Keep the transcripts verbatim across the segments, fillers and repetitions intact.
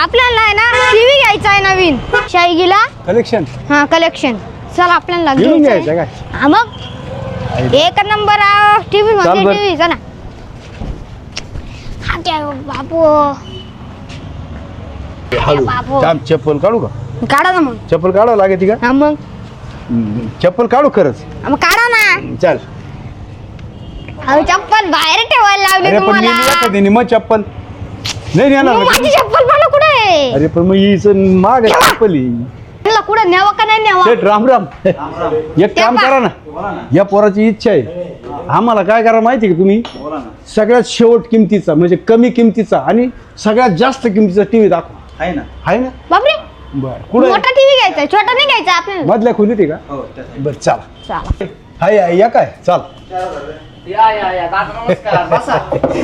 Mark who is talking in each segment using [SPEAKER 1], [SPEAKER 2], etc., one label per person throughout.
[SPEAKER 1] आपल्याला आहे ना टीव्ही घ्यायचा आहे नवीन शाईगीला
[SPEAKER 2] कलेक्शन
[SPEAKER 1] हा कलेक्शन. चल आपल्याला
[SPEAKER 2] घेऊन
[SPEAKER 1] घ्यायचं
[SPEAKER 2] घ्यायचं
[SPEAKER 1] आहे.
[SPEAKER 2] काय
[SPEAKER 1] हा मग एक नंबर टीव्ही
[SPEAKER 2] चाल
[SPEAKER 1] म्हणजे
[SPEAKER 2] बरं.
[SPEAKER 1] टीव्ही चला. हा काय बापू
[SPEAKER 2] हळू
[SPEAKER 1] बाबू.
[SPEAKER 2] थांब, चप्पल काढू का?
[SPEAKER 1] काढा ना मग.
[SPEAKER 2] चप्पल काढावं लागेल का?
[SPEAKER 1] हा मग
[SPEAKER 2] हम्म, चप्पल काढू खरंच.
[SPEAKER 1] हा मग काढा ना.
[SPEAKER 2] चल.
[SPEAKER 1] अहो चप्पल बाहेर ठेवायला लावली
[SPEAKER 2] अरे पण
[SPEAKER 1] तुम्हाला.
[SPEAKER 2] नेली कधी मग चप्पल नाही नेणार
[SPEAKER 1] मग
[SPEAKER 2] ना.
[SPEAKER 1] माझी चप्पल मला कुठे आहे?
[SPEAKER 2] अरे पण मग हीच माग चप्पल ही.
[SPEAKER 1] मला कुठे न्यावं का नाही न्यावं?
[SPEAKER 2] सेठ राम राम एक काम करा ना, या पोराची इच्छा आहे. आम्हाला काय करा माहिती का तुम्ही? सगळ्यात शेवट किमतीचा म्हणजे कमी किमतीचा आणि सगळ्यात जास्त किमतीचा टीव्ही दाखवा.
[SPEAKER 3] आहे ना.
[SPEAKER 2] आहे ना?
[SPEAKER 1] बापरे
[SPEAKER 2] बर कुठे
[SPEAKER 1] मोठा टीव्ही घ्यायचा छोटा नाही घ्यायचा आपल्याला.
[SPEAKER 2] मधल्या खोलीत आहे का?
[SPEAKER 3] हो त्यासाठी.
[SPEAKER 2] बर चला.
[SPEAKER 1] चला
[SPEAKER 2] हाय हाय, या काय चाल.
[SPEAKER 3] या या या दादा नमस्कार बसा.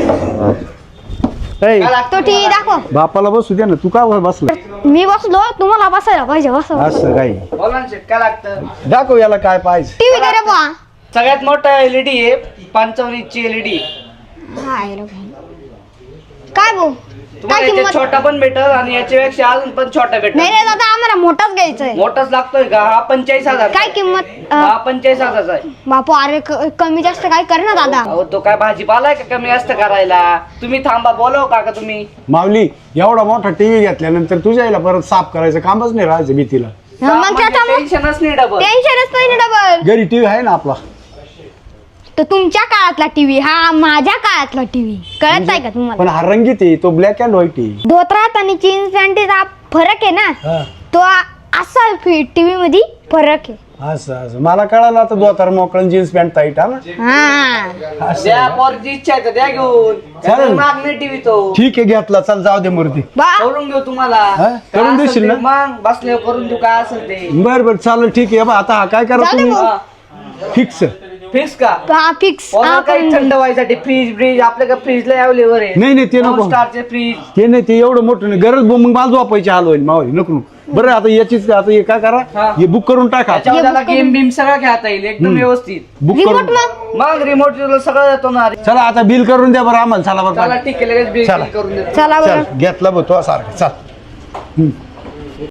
[SPEAKER 2] ऐ,
[SPEAKER 1] तो टीव्ही दाखव.
[SPEAKER 2] बापाला बसू द्या ना, तू का बसला?
[SPEAKER 1] मी बसलो तुम्हाला बसायला पाहिजे. बस
[SPEAKER 2] असं काही
[SPEAKER 3] बोला ना शेट, काय लागतं?
[SPEAKER 2] दाखव याला काय पाहिजे.
[SPEAKER 1] टीव्ही करे बुवा.
[SPEAKER 3] सगळ्यात मोठा एलईडी आहे पंचावन्न इंची एलईडी.
[SPEAKER 1] हाय रे भाई. काय भाऊ
[SPEAKER 3] तुम्हाला
[SPEAKER 1] काय
[SPEAKER 3] याच्यात
[SPEAKER 1] किंमत?
[SPEAKER 3] छोटा पण भेटल आणि याच्यापेक्षा अजून पण छोटा
[SPEAKER 1] नाही
[SPEAKER 3] भेटल.
[SPEAKER 1] रे दादा आम्हाला मोठाच घ्यायचा आहे.
[SPEAKER 3] मोठाच लागतोय का? हा पंचेचाळीस हजार.
[SPEAKER 1] काय किंमत?
[SPEAKER 3] हा
[SPEAKER 1] अं,
[SPEAKER 3] पंचेचाळीस हजारचा आहे.
[SPEAKER 1] बापू अरे क- कमी जास्त काय कर ना दादा.
[SPEAKER 3] अहो तो काय भाजीपाला आहे का कमी जास्त करायला? तुम्ही थांबा, बोलव काका तुम्ही.
[SPEAKER 2] माऊली एवढा मोठा टीव्ही घेतल्यानंतर तुझ्या आईला परत साफ करायचं कामच नाही राहायचं भीतीला.
[SPEAKER 1] हा, मग त्याचा मग
[SPEAKER 3] टेन्शनच नाही डबल.
[SPEAKER 1] टेन्शनच नाही ना डबल.
[SPEAKER 2] घरी टीव्ही आहे ना आपला.
[SPEAKER 1] तर तुमच्या काळातला टीव्ही हा माझ्या काळातला टीव्ही कळत आहे का तुम्हाला?
[SPEAKER 2] पण हा रंगीत आहे, तो ब्लॅक अँड व्हाईट आहे.
[SPEAKER 1] धोत्रात आणि जीन्स पॅन्टीचा फरक आहे ना
[SPEAKER 2] हा.
[SPEAKER 1] तो आ- असा टीव्ही मध्ये फरक आहे.
[SPEAKER 2] असं असं मला कळालं आता दोतार मोकळं जीन्स पॅन्ट टाईट हा ना.
[SPEAKER 1] हा
[SPEAKER 2] असं
[SPEAKER 3] द्या
[SPEAKER 2] आहे का?
[SPEAKER 3] पोरची इच्छा आहे तर द्या घेऊन.
[SPEAKER 2] चालेल.
[SPEAKER 3] माग नाही टीव्ही तो.
[SPEAKER 2] ठीक आहे घेतला, चल जाऊ दे मूर्ती.
[SPEAKER 1] बा
[SPEAKER 3] करून घेऊ तुम्हाला.
[SPEAKER 2] हा?
[SPEAKER 3] काय
[SPEAKER 2] करून
[SPEAKER 3] असेल
[SPEAKER 2] देशील
[SPEAKER 3] ते
[SPEAKER 2] ना?
[SPEAKER 3] मग बसले करून देऊ काय असेल ते.
[SPEAKER 2] बर बर चालेल ठीक आहे. बा आता हा काय करा
[SPEAKER 1] जाऊ दे
[SPEAKER 2] तुम्ही
[SPEAKER 1] भाऊ.
[SPEAKER 3] हा.
[SPEAKER 2] फिक्स.
[SPEAKER 3] फिक्स का?
[SPEAKER 1] हा फिक्स
[SPEAKER 3] पोरं काही थंड व्हायसाठी फ्रीज ब्रीज आपल्याकडे फ्रीजला अवेलेबल आहे.
[SPEAKER 2] नाही, नाही, ते नको.
[SPEAKER 3] दोन स्टारचे फ्रीज.
[SPEAKER 2] ते नाही ते एवढं मोठं नाही गरज, मग माझं वापायची हाल होईल मावली नको नको. बरं आता याचीच आता हे काय करा,
[SPEAKER 3] हा.
[SPEAKER 2] हे बुक करून टाका.
[SPEAKER 3] त्याच्यावर त्याला गेम बिम सगळं खेळता येईल एकदम व्यवस्थित.
[SPEAKER 2] बुक
[SPEAKER 1] रिमोट
[SPEAKER 2] करून
[SPEAKER 1] मग
[SPEAKER 3] मग रिमोट सगळं येतो ना.
[SPEAKER 2] चला आता बिल करून द्या बरं आम्हाला. चला
[SPEAKER 3] चला
[SPEAKER 2] बरं
[SPEAKER 3] ठीक आहे लगेच बिल
[SPEAKER 2] चला.
[SPEAKER 3] करून देतो.
[SPEAKER 1] चला बरं.
[SPEAKER 2] चल घेतला बघ तो सारखं. चल हम्म.